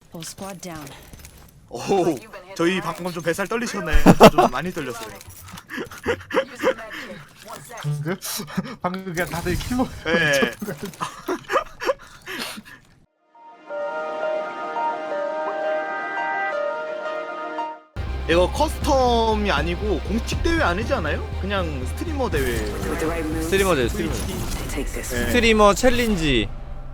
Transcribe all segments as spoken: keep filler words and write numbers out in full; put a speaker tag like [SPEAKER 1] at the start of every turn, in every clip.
[SPEAKER 1] Whole squad down.
[SPEAKER 2] 오, 저희 방금 좀 뱃살 떨리셨나요? 저 좀 많이 떨렸어요.
[SPEAKER 3] 방금? 방금 그냥 다들 킬로
[SPEAKER 2] 예. 이거 커스텀이 아니고 공식 대회 아니지 않아요? 그냥 스트리머 대회.
[SPEAKER 1] With the right move,
[SPEAKER 4] 스트리머 대 스트리머.
[SPEAKER 1] take this.
[SPEAKER 2] 네.
[SPEAKER 4] 스트리머 챌린지.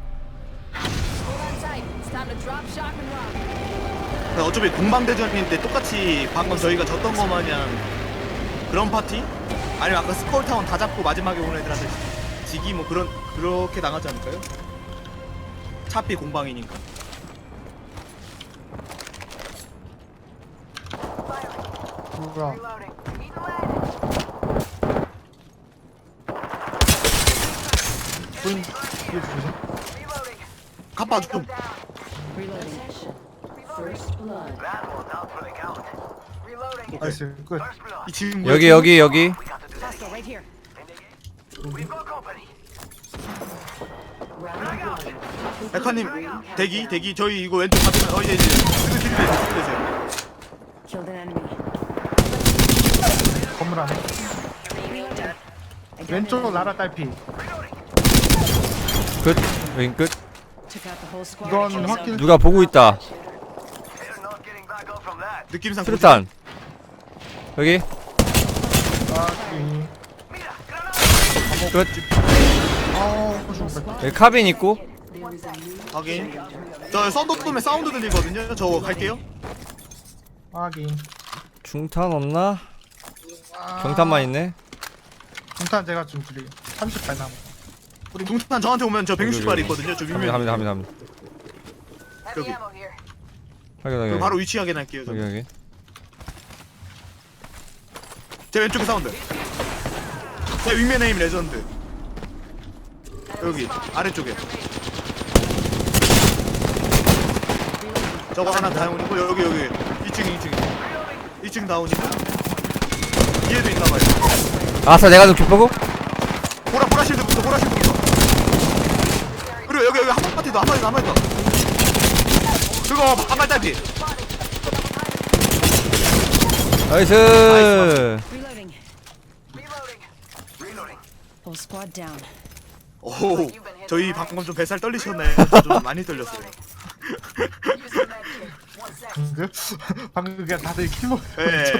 [SPEAKER 2] 어차피 공방대전인데 똑같이 방금 저희가 졌던 거 마냥 그런 파티? 아니면 아까 스콜타운 다 잡고 마지막에 오는 애들한테 지기 뭐 그런 그렇게 나가지 않을까요? 차피 공방이니까.
[SPEAKER 3] 뭐야? 보인 뒤에 조심.
[SPEAKER 2] 가빠 좀.
[SPEAKER 1] Reloading. First blood.
[SPEAKER 3] 나이스 끝.
[SPEAKER 2] 이 지금 뭐야?
[SPEAKER 4] 여기 여기 여기.
[SPEAKER 1] Hostile right here.
[SPEAKER 2] 백화님 대기 대기 저희 이거 왼쪽 받으면 어 이제 이제 이거 딜 되세요.
[SPEAKER 1] Killed an enemy.
[SPEAKER 3] 건물 안에. 왼쪽 라라 딸피.
[SPEAKER 4] 끝. 왼 끝.
[SPEAKER 1] Took out the whole squad.
[SPEAKER 3] 이건 확킬.
[SPEAKER 4] 누가 보고 있다.
[SPEAKER 2] 느낌상
[SPEAKER 4] 수류탄. 여기.
[SPEAKER 3] 아,
[SPEAKER 4] 끝.
[SPEAKER 3] 아, 죽었다.
[SPEAKER 4] 여기 카빈 있고.
[SPEAKER 2] 확인. 저 썬더돔에 사운드 들리거든요. 저 갈게요.
[SPEAKER 3] 확인.
[SPEAKER 4] 중탄 없나? 경탄만 있네.
[SPEAKER 3] 중탄 제가 좀 드릴게요. 삼십팔 남.
[SPEAKER 2] 우리 동탄 저한테 오면 저 백육십 발 있거든요. 저
[SPEAKER 4] 합니다
[SPEAKER 2] 윗면
[SPEAKER 4] 합니다 합니다 합니다.
[SPEAKER 2] 여기.
[SPEAKER 4] 확인 확인.
[SPEAKER 2] 그 바로 위치 확인할게요. 저.
[SPEAKER 4] 여기 여기.
[SPEAKER 2] 제 왼쪽에 사운드. 제 윗면에 힘 레전드. 여기 아래쪽에. 저거 하나 다운이고 여기 여기 이 층 이 층 이 층 다운이고 뒤에도 있나봐요.
[SPEAKER 4] 아싸 내가 좀 기쁘고.
[SPEAKER 2] 보라 보라 실드부터 보라 실드부터. 그리고 여기 여기 한 파티도 한 파티도 한 파티도. 그거 반발 딸피.
[SPEAKER 4] 나이스.
[SPEAKER 1] Reloading. Whole squad down.
[SPEAKER 2] 오, 저희 방금 좀 뱃살 떨리셨나요? 저 좀 많이 떨렸어요.
[SPEAKER 3] 방금? 방금 그냥 다들 킬로
[SPEAKER 2] 예.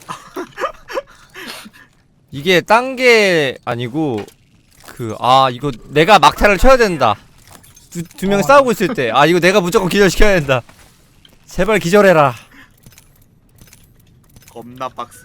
[SPEAKER 4] 이게 딴 게 아니고 그 아 이거 내가 막타를 쳐야 된다. 두 두 명
[SPEAKER 3] 어.
[SPEAKER 4] 싸우고 있을 때 아 이거 내가 무조건 기절시켜야 된다. 제발 기절해라.
[SPEAKER 2] 겁나 빡세.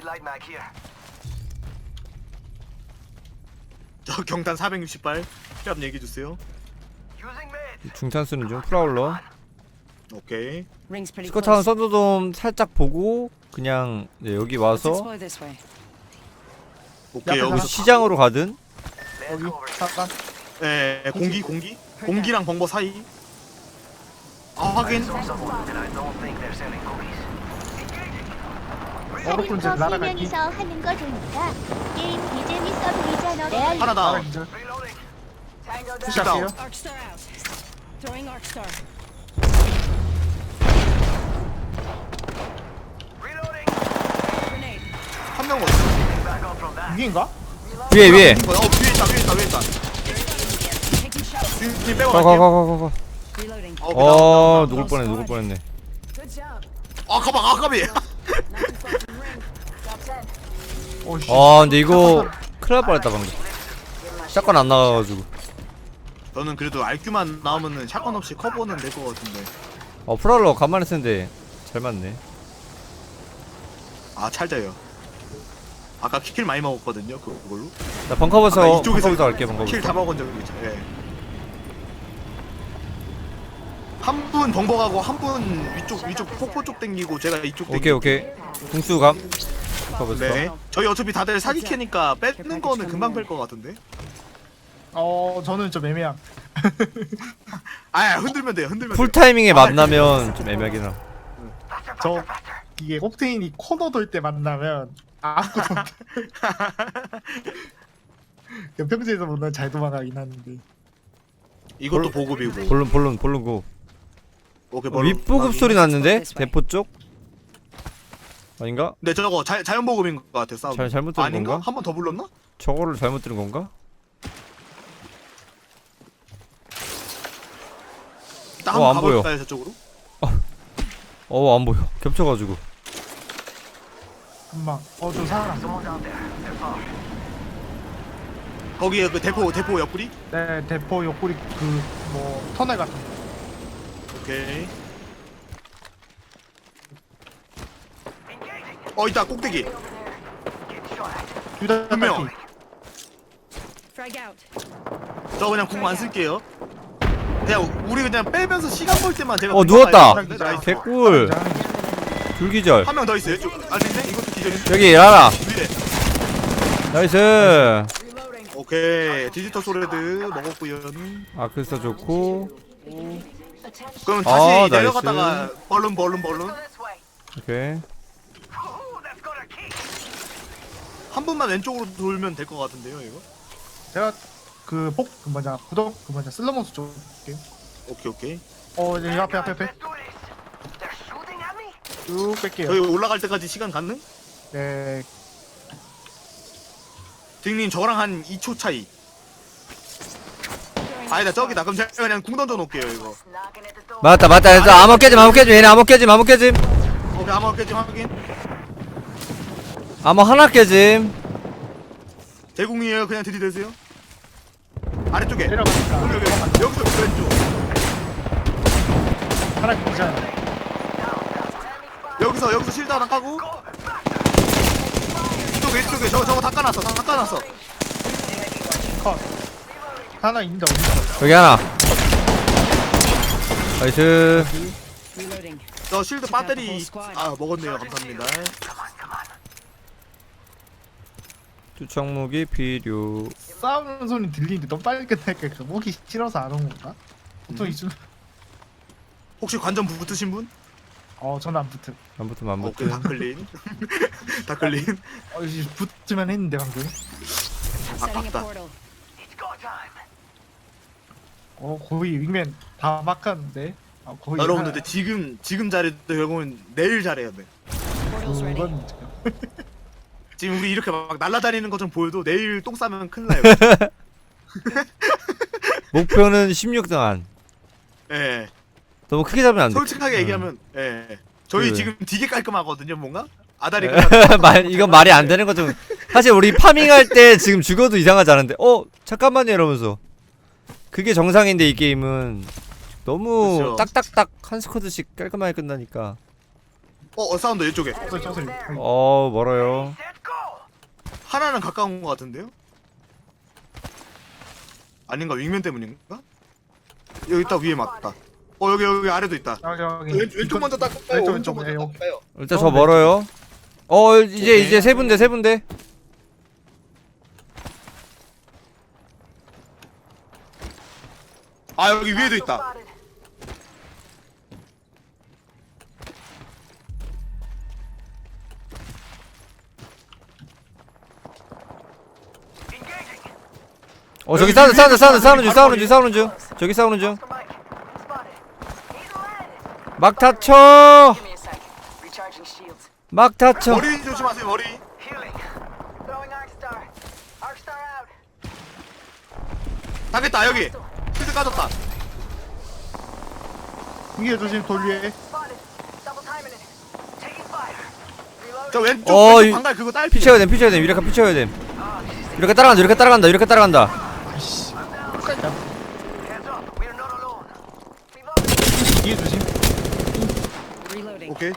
[SPEAKER 2] 저 경탄 사백육십 발 피압 얘기해 주세요.
[SPEAKER 4] 중탄 쓰는 중 프라울러.
[SPEAKER 2] 오케이.
[SPEAKER 1] Rings pretty
[SPEAKER 4] 스코타운
[SPEAKER 1] close.
[SPEAKER 4] 썬더돔 살짝 보고 그냥 네, 여기
[SPEAKER 1] Let's
[SPEAKER 4] 와서
[SPEAKER 1] explore this way.
[SPEAKER 2] 오케이
[SPEAKER 3] 옆에
[SPEAKER 2] 여기서
[SPEAKER 4] 시장으로 가든.
[SPEAKER 3] 여기 잠깐.
[SPEAKER 2] 예 예, 공기 공기 공기랑 벙버 사이. 아 확인.
[SPEAKER 3] 어로콘즈
[SPEAKER 5] 세
[SPEAKER 3] 라라 갈기.
[SPEAKER 5] 명이서 하는 거 보니까 게임 이 재밌어 보이잖아.
[SPEAKER 2] 하나
[SPEAKER 3] 라라
[SPEAKER 2] 다.
[SPEAKER 3] 기절.
[SPEAKER 2] 다운.
[SPEAKER 3] 푸시할게요.
[SPEAKER 1] Arc star out. Throwing arc star. Grenade.
[SPEAKER 2] 한 명 어디?
[SPEAKER 3] 위인가?
[SPEAKER 4] 위에 위에.
[SPEAKER 2] 어 위에 있다 위에 있다 위에 있다.
[SPEAKER 1] Taking shots.
[SPEAKER 2] 지금 빼고
[SPEAKER 4] 가 가
[SPEAKER 2] 갈게요.
[SPEAKER 4] 가 가 가.
[SPEAKER 1] Reloading.
[SPEAKER 2] 어,
[SPEAKER 4] 어
[SPEAKER 2] 그다음,
[SPEAKER 4] 누굴 뻔해 누굴 뻔했네.
[SPEAKER 1] Good job.
[SPEAKER 2] 아 가방 아 가비.
[SPEAKER 1] Not too far from ring. Top ten.
[SPEAKER 3] 오씨.
[SPEAKER 4] 아 근데 이거 큰일 날 뻔했다 방금. 샷건 안 나가가지고.
[SPEAKER 2] 저는 그래도 알큐만 나오면은 샷건 없이 커버는 될 것 같은데.
[SPEAKER 4] 어 프라울러 간만에 쓰는데 잘 맞네.
[SPEAKER 2] 아 찰져요. 아까 킬 많이 먹었거든요. 그- 그걸로.
[SPEAKER 4] 나 벙커버서
[SPEAKER 2] 아까 이쪽에서
[SPEAKER 4] 벙커버서 갈게 벙커버서.
[SPEAKER 2] 킬 다 먹은 적이 있죠. 예. 한 분 벙버가고 한 분 위쪽 위쪽 폭포 쪽 땡기고 제가 이쪽 땡기고.
[SPEAKER 4] 오케이 오케이. 궁수감. 벙커버서.
[SPEAKER 2] 네. 저희 어차피 다들 사기 캐니까 뺏는 거는 금방 뺄 것 같은데.
[SPEAKER 3] 어, 저는 좀 애매함.
[SPEAKER 2] 아 흔들면 돼요. 흔들면
[SPEAKER 4] 풀
[SPEAKER 2] 돼요.
[SPEAKER 4] 타이밍에 만나면 좀 애매하긴 하.
[SPEAKER 3] 저 이게 옥테인이 코너 돌 때 만나면 아무것도 못. 그냥 평소에서 보면 잘 도망가긴 하는데.
[SPEAKER 2] 이것도 보급이고.
[SPEAKER 4] 볼론 볼론 볼론 고.
[SPEAKER 2] 오케이.
[SPEAKER 4] 어,
[SPEAKER 2] 멀-
[SPEAKER 4] 윗보급
[SPEAKER 2] 확인.
[SPEAKER 4] 소리 났는데? 대포 쪽? 아닌가?
[SPEAKER 2] 네 저거 자, 자연보급인 것 같아 싸움.
[SPEAKER 4] 잘- 잘못 들은
[SPEAKER 2] 아닌가?
[SPEAKER 4] 건가?
[SPEAKER 2] 한 번 더 불렀나?
[SPEAKER 4] 저거를 잘못 들은 건가?
[SPEAKER 2] 일단
[SPEAKER 4] 어,
[SPEAKER 2] 한번
[SPEAKER 4] 안 보여.
[SPEAKER 2] 가볼까요 저쪽으로?
[SPEAKER 4] 어 안 보여. 겹쳐가지고.
[SPEAKER 3] 금방. 어, 저 사람.
[SPEAKER 2] 거기에 그 대포 대포 옆구리?
[SPEAKER 3] 네, 대포 옆구리 그 뭐 터널 같은 거.
[SPEAKER 2] 오케이. 어 있다 꼭대기.
[SPEAKER 3] 둘다
[SPEAKER 2] 분명.
[SPEAKER 3] 딸피.
[SPEAKER 1] Frag out.
[SPEAKER 2] 저 그냥 궁 안 쓸게요. 그냥 우리 그냥 빼면서 시간 벌 때만 제가.
[SPEAKER 4] 어, 누웠다.
[SPEAKER 2] 나이스.
[SPEAKER 4] 개꿀. 불기절.
[SPEAKER 2] 한 명 더 있어요. 저, 아닌데 이것도 기절인데.
[SPEAKER 4] 여기 라라.
[SPEAKER 2] 위에.
[SPEAKER 4] 나이스.
[SPEAKER 1] Reloading.
[SPEAKER 2] 오케이 디지털 소레드 먹었고요.
[SPEAKER 4] 아크스타 좋고.
[SPEAKER 2] 그럼
[SPEAKER 4] 아,
[SPEAKER 2] 다시
[SPEAKER 4] 나이스.
[SPEAKER 2] 내려갔다가 벌룬 벌룬 벌룬
[SPEAKER 4] 오케이.
[SPEAKER 2] 한 분만 왼쪽으로 돌면 될 것 같은데요 이거.
[SPEAKER 3] 제가 그폭 그 뭐냐 구독 그 뭐냐 슬러머스 쪽 볼게요.
[SPEAKER 2] 오케이 오케이.
[SPEAKER 3] 어, 이제 앞에 앞에 앞에 쭉 뺄게요.
[SPEAKER 2] 저희 올라갈 때까지 시간 갔는?
[SPEAKER 3] 네,
[SPEAKER 2] 딩님 저랑 한 이 초 차이. 아니다 저기다. 그럼 제가 그냥 궁 던져 놓을게요 이거.
[SPEAKER 4] 맞다 맞다. 그래서 암호 깨짐 암호 깨짐 얘네 암호 깨짐 암호 깨짐.
[SPEAKER 2] 오케이 아마 깨지 확인.
[SPEAKER 4] 암호 하나 깨짐.
[SPEAKER 2] 대궁이에요. 그냥 들이대세요. 아래쪽에. 여기
[SPEAKER 3] 내려가니까
[SPEAKER 2] 여기 여기서 왼쪽.
[SPEAKER 3] 하나 괜찮아.
[SPEAKER 2] 여기서 여기서 실드 하나 까고. 이쪽 왼쪽에 저거 저거 다 까놨어. 다 까놨어.
[SPEAKER 3] 컷. 하나 있는데 어디다?
[SPEAKER 4] 여기 하나. 나이스.
[SPEAKER 1] Reloading.
[SPEAKER 2] 저 실드 배터리 아 먹었네요. 감사합니다.
[SPEAKER 4] 투척 무기 필요.
[SPEAKER 3] 싸우는 소리 들리는데 너무 빨리 끝날까? 그 목이 싫어서 안 온 건가? 보통
[SPEAKER 2] 음.
[SPEAKER 3] 이쯤.
[SPEAKER 2] 혹시 관전 붙으신 분?
[SPEAKER 3] 어, 저는 안 붙음.
[SPEAKER 4] 안 붙으면 안
[SPEAKER 2] 오케이
[SPEAKER 4] 붙음.
[SPEAKER 2] 다 클린. 다 클린.
[SPEAKER 3] 어, 이제 붙으면 했는데 방금.
[SPEAKER 1] Setting a
[SPEAKER 2] 아깝다.
[SPEAKER 1] portal.
[SPEAKER 3] 어, 거의 윙맨 다 막았는데. 아, 거의
[SPEAKER 2] 여러분들 지금 지금 잘해도 결국은 내일 잘해야 돼.
[SPEAKER 1] Portal's ready.
[SPEAKER 3] 그건
[SPEAKER 2] 지금 우리 이렇게 막 날아다니는 것 좀 보여도 내일 똥 싸면 큰일 나요.
[SPEAKER 4] 목표는 십육 등 안.
[SPEAKER 2] 예.
[SPEAKER 4] 너무 크게 잡으면 안 돼.
[SPEAKER 2] 솔직하게 얘기하면 예. 저희
[SPEAKER 4] 그-
[SPEAKER 2] 지금 되게 깔끔하거든요, 뭔가? 아다리
[SPEAKER 4] 네. 말 이건 말이 안 되는 거 좀. 사실 우리 파밍할 때 지금 죽어도 이상하지 않은데. 어 잠깐만요 이러면서. 그게 정상인데 이 게임은 너무
[SPEAKER 2] 그쵸.
[SPEAKER 4] 딱딱딱 한 스쿼드씩 깔끔하게 끝나니까.
[SPEAKER 2] 어, 어 사운드 이쪽에.
[SPEAKER 3] 저 저서
[SPEAKER 4] 어 멀어요.
[SPEAKER 2] 하나는 가까운 것 같은데요? 아닌가? 윙맨 때문인가? 여기 있다 위에 맞다. 어 여기 여기 아래도 있다.
[SPEAKER 3] 여기 여기
[SPEAKER 2] 왼, 왼쪽 먼저 닦을까요?
[SPEAKER 3] 왼쪽
[SPEAKER 2] 오른쪽
[SPEAKER 3] 왼쪽
[SPEAKER 2] 먼저
[SPEAKER 3] 예, 여기.
[SPEAKER 2] 닦을까요?
[SPEAKER 4] 일단
[SPEAKER 3] 어,
[SPEAKER 4] 저 멀어요. 어 이제
[SPEAKER 2] 오케이.
[SPEAKER 4] 이제 세 분대 세 분대.
[SPEAKER 2] 아 여기 위에도 있다.
[SPEAKER 4] 어 저기 싸우는 싸우는 싸우는 싸우는 중 싸우는 중 싸우는 중. 저기 싸우는 중. 막 다쳐.
[SPEAKER 1] Give me a sec. Recharging shields.
[SPEAKER 4] 막 다쳐.
[SPEAKER 2] 머리 조심하세요 머리.
[SPEAKER 1] Healing. Throwing Arcstar. Arcstar out.
[SPEAKER 2] 당했다 여기. 실드 까졌다.
[SPEAKER 3] 이게 조심 돌 위에.
[SPEAKER 1] Spotted. Double timing it. Taking fire. Reloading.
[SPEAKER 2] 저 왼쪽
[SPEAKER 4] 어,
[SPEAKER 2] 왼쪽
[SPEAKER 4] 이-
[SPEAKER 2] 방갈 그거 딸피.
[SPEAKER 4] 피쳐야 돼 피쳐야 돼 유레카 피쳐야 돼. 이렇게 따라간다 이렇게 따라간다 이렇게 따라간다.
[SPEAKER 3] 아이씨.
[SPEAKER 1] Hands up. We are not alone. Reloading.
[SPEAKER 3] 이게 조심.
[SPEAKER 1] Reloading.
[SPEAKER 2] 오케이.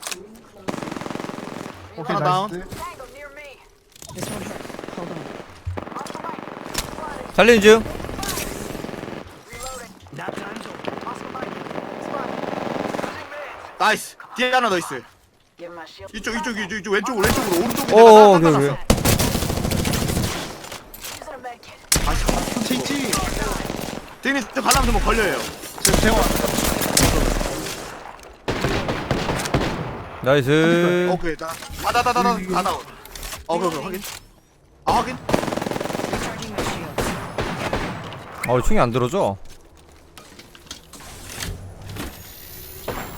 [SPEAKER 3] 오케이
[SPEAKER 2] 하나 다운.
[SPEAKER 3] 나이스.
[SPEAKER 1] Tango near me. This won't hurt. Hold on. Off the mic. Spotted.
[SPEAKER 4] 살리는 중.
[SPEAKER 1] Reloading. That time's over. Off the mic. Spotted. Losing mid.
[SPEAKER 2] 나이스. 뒤에 하나 더 있어요.
[SPEAKER 1] Give him my shield.
[SPEAKER 2] 이쪽 이쪽 이쪽 이쪽 왼쪽으로 왼쪽으로 오른쪽에
[SPEAKER 4] 오
[SPEAKER 2] 내가
[SPEAKER 4] 오케이
[SPEAKER 2] 딱
[SPEAKER 4] 오케이.
[SPEAKER 2] 놨어.
[SPEAKER 1] Using a med kit.
[SPEAKER 2] 아씨.
[SPEAKER 3] 치치.
[SPEAKER 2] 대님 저 가다면 뭐 걸려요.
[SPEAKER 3] 저 대화.
[SPEAKER 4] 나이스.
[SPEAKER 2] 오케이 자. 아다다다다 다 나온. 어 그거 확인. 아 확인.
[SPEAKER 1] Recharging my shield.
[SPEAKER 4] 어 충이 안 들어져.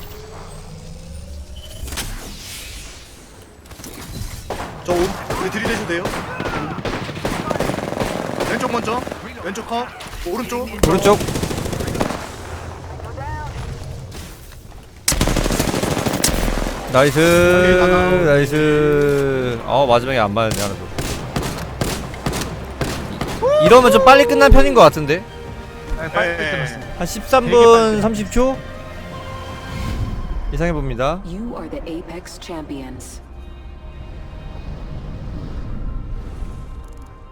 [SPEAKER 2] 저 오, 우리 들이대셔도 돼요. 왼쪽 먼저. 왼쪽 컷. 오른쪽.
[SPEAKER 4] 오른쪽. 나이스 나이스. 어 마지막에 안 맞았네 하나도. 이러면 좀 빨리 끝난 편인 것 같은데.
[SPEAKER 3] 네, 빨리
[SPEAKER 2] 네.
[SPEAKER 3] 끝났습니다.
[SPEAKER 4] 한 십삼
[SPEAKER 3] 되게
[SPEAKER 4] 분
[SPEAKER 3] 빨리
[SPEAKER 4] 삼십 초 예상해 봅니다.
[SPEAKER 6] You are the Apex champions.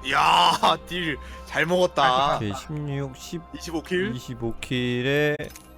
[SPEAKER 2] 이야, 딜 잘 먹었다.
[SPEAKER 4] 오케이 십육, 십,
[SPEAKER 2] 이십오 킬.
[SPEAKER 4] 이십오 킬에